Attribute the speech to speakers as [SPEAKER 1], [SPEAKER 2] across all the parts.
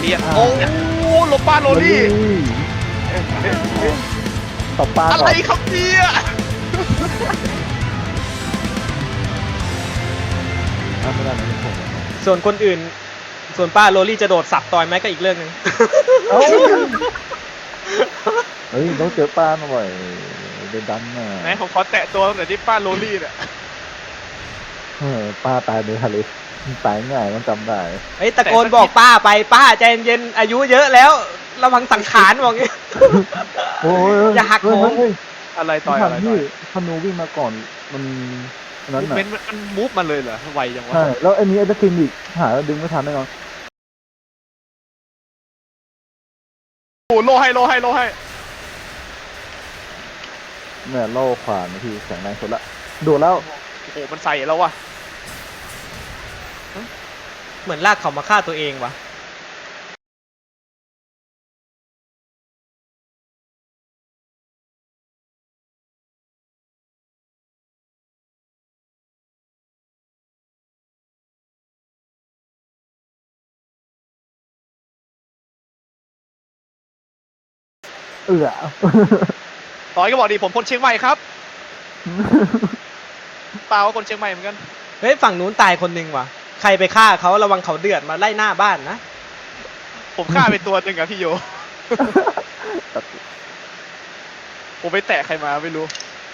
[SPEAKER 1] ลียนโอ้โลป้าโรลี่
[SPEAKER 2] ต่อปลา
[SPEAKER 1] อะ
[SPEAKER 2] ก่
[SPEAKER 1] ไร
[SPEAKER 2] อน
[SPEAKER 1] ครับเนี่ย
[SPEAKER 2] ไม่ได้นะผม
[SPEAKER 3] ส่วนคนอื่น ส่วนป้าโรลี่จะโดดสับต่อยไหมก็อีกเรื่องหนึง
[SPEAKER 2] เอ้าเฮ้ยต้องเจอปลาหน่อยเดินดันน่ะ
[SPEAKER 1] ไหนผมขอแตะตัวหน่อยที่ป้าโรลี่เนี่ย
[SPEAKER 2] ปลาตายในทะเลตายง่ายต้องจำได้
[SPEAKER 3] เฮ้ยตะโกนบอกป้าไปป้าใจเย็นๆอายุเยอะแล้วระวังสังขารบอกงี้
[SPEAKER 2] โอ้ย
[SPEAKER 3] อย่าหักโหม
[SPEAKER 2] เฮ้ย
[SPEAKER 1] อะไรต่อย
[SPEAKER 2] ทำ
[SPEAKER 1] อะไรต่
[SPEAKER 2] ที่
[SPEAKER 1] อย
[SPEAKER 2] ธนูวิ่งมาก่อนมันอันนั้น
[SPEAKER 1] มูฟ
[SPEAKER 2] น่ะ
[SPEAKER 1] เมนต์มันมูฟมาเลยเหรอไวจังวะ
[SPEAKER 2] ใช่แล้วไอ้นี้ไอ้ตะคินอีกหาแล้วดึงไม่ทันแน่นอน
[SPEAKER 1] โอ้โลให้
[SPEAKER 2] เนี่ยโล่ขวานนะพี่แข็งแรงสุดละโดดแล้ว
[SPEAKER 1] โอ้โหมันใส่แล้ววะ
[SPEAKER 3] เหมือนลากเขามาฆ่าตัวเองวะ
[SPEAKER 1] ต่อยก็บอกดีผมคนเชียงใหม่ครับเปล่าว่าคนเชียงใหม่เหมือนกัน
[SPEAKER 3] เฮ้ยฝั่งนู้นตายคนหนึงว่ะใครไปฆ่าเขาระวังเขาเดือดมาไล่หน้าบ้านนะ
[SPEAKER 1] ผมฆ่าไปตัวหนึ่งอะพี่โย ผมไปแตะใครมาไม่รู้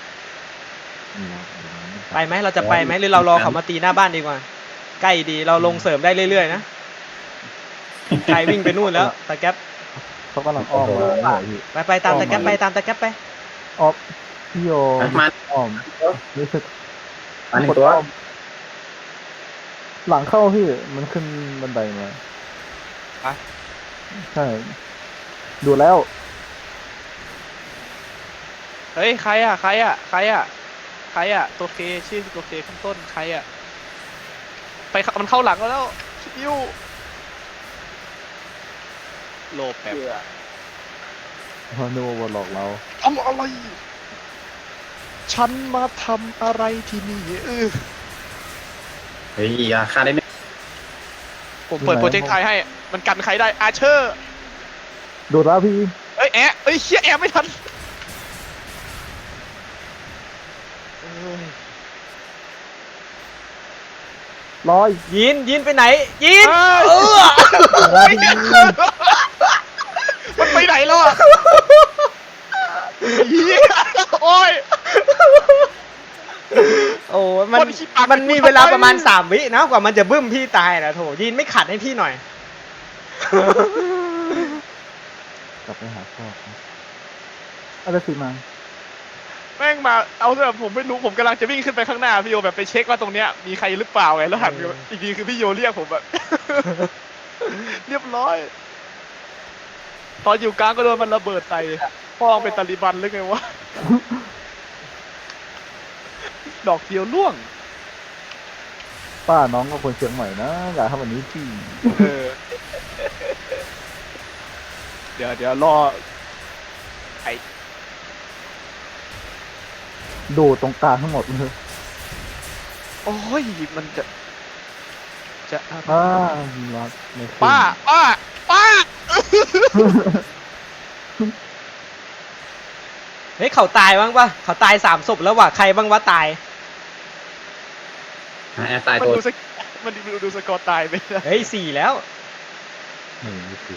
[SPEAKER 3] ไปไหมเราจะไปไหมหรือเรารอเขามาตีหน้าบ้านดีกว่าใกล้ดีเราลงเสริมได้เรื่อยๆนะใครวิ่งไปนู่นแล้วตะแก๊ป
[SPEAKER 2] เขากำลังอ้อมมาเนี่ยพี่
[SPEAKER 3] ไปตามตะแก๊ปไปตามตะแก๊ปไป
[SPEAKER 2] ออฟพี่โย
[SPEAKER 4] มา
[SPEAKER 2] อ้อมรู้สึก
[SPEAKER 4] อันนี้ตัว
[SPEAKER 2] หลังเข้าพี่มันขึ้นบันไดมา
[SPEAKER 1] อะ
[SPEAKER 2] ใช่ดูแล้ว
[SPEAKER 1] เฮ้ยใครอะตัวเคชื่อตัวเคข้างต้นใครอะไปมันเข้าหลังแล้วชิวโลแป๊บ
[SPEAKER 2] ฮานูมาหลอกเรา
[SPEAKER 1] ทำอะไรฉันมาทำอะไรที่นี่
[SPEAKER 4] เฮ้ยอย่าฆ่าได้ไหม
[SPEAKER 1] ผมเปิดโปรเจกต์ไทยให้มันกันใครได้อาเชอร์
[SPEAKER 2] ดูแล้วพี่
[SPEAKER 1] เอ้ยเชี่ยแอบไม่ทันเอ้ย
[SPEAKER 2] ลอย
[SPEAKER 3] ยินไปไหนยิน
[SPEAKER 1] เอ้ย
[SPEAKER 2] แล้ว
[SPEAKER 1] ไม่
[SPEAKER 2] พี่
[SPEAKER 1] เห็นมันไปไหนแล้วอะเหี้ยโอ้ย
[SPEAKER 3] โอ้มัน
[SPEAKER 1] คนขี้ปาก
[SPEAKER 3] มันมี
[SPEAKER 1] กูทำไม
[SPEAKER 3] เวลาประมาณ3 วินะกว่ามันจะบึ้มพี่ตายนะโถยินไม่ขัดให้พี่หน่อย
[SPEAKER 2] กลับไปหาพ่อครับอะไรสิมา
[SPEAKER 1] แม่งมาเอาเถอะผมไม่รู้ผมกำลังจะวิ่งขึ้นไปข้างหน้าพี่โยแบบไปเช็คว่าตรงเนี้ยมีใครหรือเปล่าไงแล้วหันไปอีกทีคือพี่โยเรียกผมแบบ เรียบร้อย ตอนอยู่กลางก็โดนมันระเบิดใส่พ่อเป็นตาลิบันหรือไงวะ ดอกเดียวล่วง
[SPEAKER 2] ป้าน้องก็คนเชียงใหม่นะอย่าทำแบบนี้พี่
[SPEAKER 1] เออ เดี๋ยวรอ
[SPEAKER 2] โดดตรงกลางทั้งหมดเลย
[SPEAKER 1] โอ้ยมันจะ
[SPEAKER 2] รักไม่ขึ้น
[SPEAKER 1] ป้า
[SPEAKER 3] เฮ้ยเขาตายบ้างปะเขาตาย3 ศพแล้วว่ะใครบ้างวะตาย
[SPEAKER 4] แอบตาย
[SPEAKER 1] มัน
[SPEAKER 4] ตัว
[SPEAKER 1] ดูสกอร์ตายไปนะ
[SPEAKER 3] เฮ้ย4แล้ว
[SPEAKER 2] ไม่คือ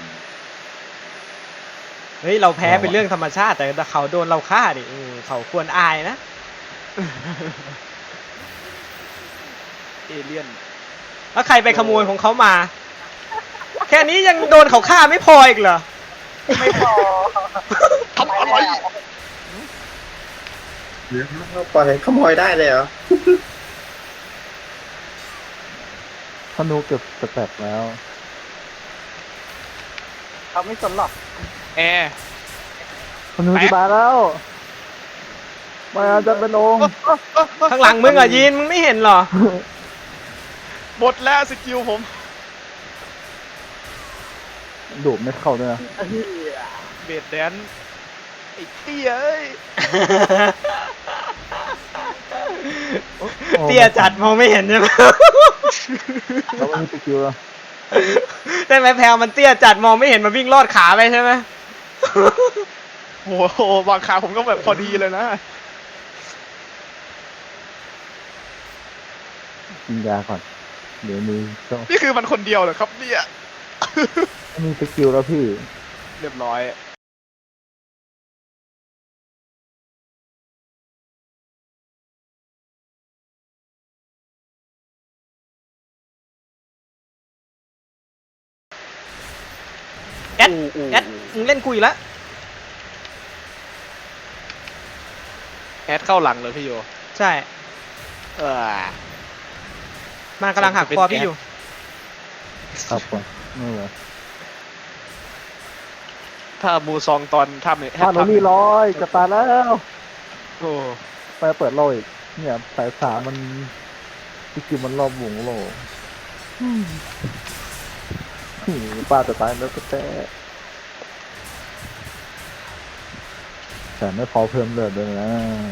[SPEAKER 3] เฮ้ยเราแพ้เป็นเรื่องธรรมชาติแต่เขาโดนเราฆ่าดิเขาควรอายนะ
[SPEAKER 1] เอเลี่ยน
[SPEAKER 3] แล้วใครไปขโมยของเขามา แค่นี้ยังโดนเขาฆ่าไม่พออีกเหรอ
[SPEAKER 1] ไม่พอทำอะไร
[SPEAKER 4] ปล่อยขโมยได้เลยเหรอ
[SPEAKER 2] ธนูเก็บสแต็กแล้ว
[SPEAKER 1] ทำไม่สนหรอกแอร์
[SPEAKER 2] ธนูจะตายแล้วมาจะไปลง
[SPEAKER 3] ข้างหลังมึงอ่ะยินมึงไม่เห็นเหรอ
[SPEAKER 1] หมดแล้วสกิลผม
[SPEAKER 2] โดดไม่เข้าด้วยนะ
[SPEAKER 1] เบดแดนไอ้เตี้ยเอ้ย
[SPEAKER 3] เตี้ยจัดมองไม่เห็นใช่ไหม
[SPEAKER 2] แล้วไม่มีสกิลแล้ว
[SPEAKER 3] ใช่ไหมแพลวมันเตี้ยจัดมองไม่เห็นมันวิ่งลอดขาไปใช่ไหม
[SPEAKER 1] โอ้โหบางขาผมก็แบบพอดีเลยนะ
[SPEAKER 2] กินยาก่อน เดี๋ยวมีต้อง
[SPEAKER 1] นี่คือมันคนเดียวเหรอครับเนี่ย
[SPEAKER 2] มีสกิลแล้วพี่
[SPEAKER 1] เรียบร้อย
[SPEAKER 3] แอดแอดมึงเล่นกูอีกแล้ว
[SPEAKER 1] แอดเข้าหลังเลยพี่โย
[SPEAKER 3] ใช่
[SPEAKER 1] เออ
[SPEAKER 3] มันกำลังหักคอพี่อยู่
[SPEAKER 2] ครับก่อนไม่เหรอ
[SPEAKER 1] ถ้ามูซองตอนทำเนี่ย
[SPEAKER 2] บ้านเรานี่ร้อยจะตายแล้ว
[SPEAKER 1] โอ้
[SPEAKER 2] ไปเปิดโลอีก เนี่ยสายสามมันสกิลมันรอบวงโลป้าจะตายแล้วก็แต่ไม่พอเพิ่มเลือดเลยนะ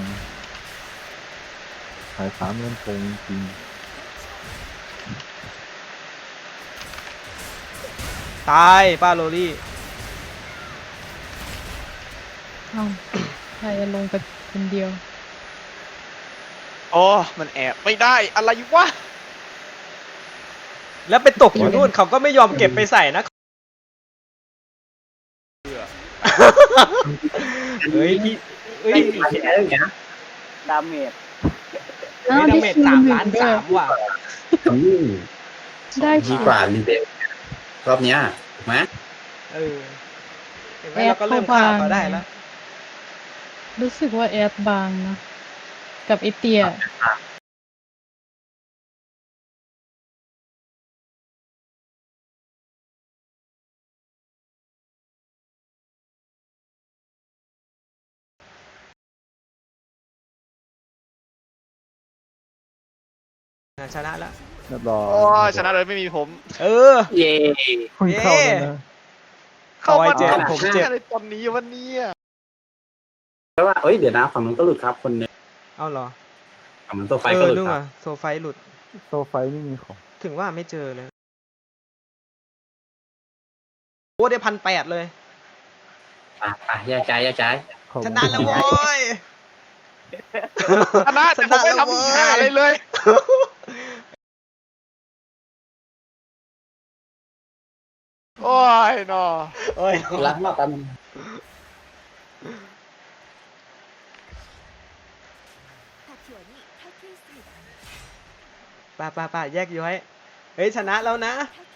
[SPEAKER 2] สายสามเล่นโกงจริง
[SPEAKER 3] ตายป้าโรลี่
[SPEAKER 5] เอาใครจะลงไปคนเดียว
[SPEAKER 1] โอ้มันแอบไม่ได้อะไรวะ
[SPEAKER 3] แล้วไปตกอยู่นู่นเขาก็ไม่ยอมเก็บไปใส่นะ เฮ้ยพี่เฮ้ย
[SPEAKER 4] ไม่ใช่อะไรอย่างเงี้ย
[SPEAKER 5] อ้าว
[SPEAKER 3] เฮ้ย
[SPEAKER 5] ได้
[SPEAKER 3] ดาเมจ
[SPEAKER 5] คิว
[SPEAKER 3] 3
[SPEAKER 5] หนึ่
[SPEAKER 3] ล้าง น
[SPEAKER 5] ด้วย
[SPEAKER 3] 3ว่ะ
[SPEAKER 4] อืม
[SPEAKER 5] ได้
[SPEAKER 4] ดี
[SPEAKER 5] คิว
[SPEAKER 4] กว่ารีเบลรอบเนี้ยถูกไหม
[SPEAKER 3] เออเห็นไหมเราก็เริ่มฆ่าเขาได้แล้ว
[SPEAKER 5] รู้สึกว่าแอดบางนะ กับไอเตีย
[SPEAKER 3] ชนะแล้ว
[SPEAKER 2] เรียบร้อย
[SPEAKER 1] โอ้ชนะเลยไม่มีผม
[SPEAKER 3] เออ
[SPEAKER 4] เย่
[SPEAKER 2] คุณเข้าแล้วนะ
[SPEAKER 1] เข้ามา
[SPEAKER 3] เจ็บ
[SPEAKER 1] ทำ
[SPEAKER 3] ผมเจ็บ
[SPEAKER 1] อะไรตอนนี้วันนี้
[SPEAKER 4] แล้วว่าเอ้ยเดี๋ยวนะฝั่งนู้นก็หลุดครับคนหนึง
[SPEAKER 3] เอาเหรอ
[SPEAKER 4] ฝั่งนู้นตัวไฟ
[SPEAKER 3] เอ
[SPEAKER 4] ก็
[SPEAKER 3] อ
[SPEAKER 4] หลุด
[SPEAKER 3] นู่น
[SPEAKER 4] ครั
[SPEAKER 3] อ่ะ
[SPEAKER 4] บ
[SPEAKER 3] โซไฟหลุด
[SPEAKER 2] โซไฟไม่มีของ
[SPEAKER 3] ถึงว่าไม่เจอเลย โอ้ได้1,800เลย
[SPEAKER 4] อ่ะแยกย้ายแยกย้าย
[SPEAKER 2] ของ
[SPEAKER 3] ชนะแล้วโว้ย
[SPEAKER 1] ชนะแต่ผมไม่ทำอีกหาอะไรเลย โอ้ยนอ
[SPEAKER 3] โอ้ย
[SPEAKER 4] รักมากกัน
[SPEAKER 3] ป้าแยกย้อย เฮ้ยชนะแล้วนะ
[SPEAKER 6] 卓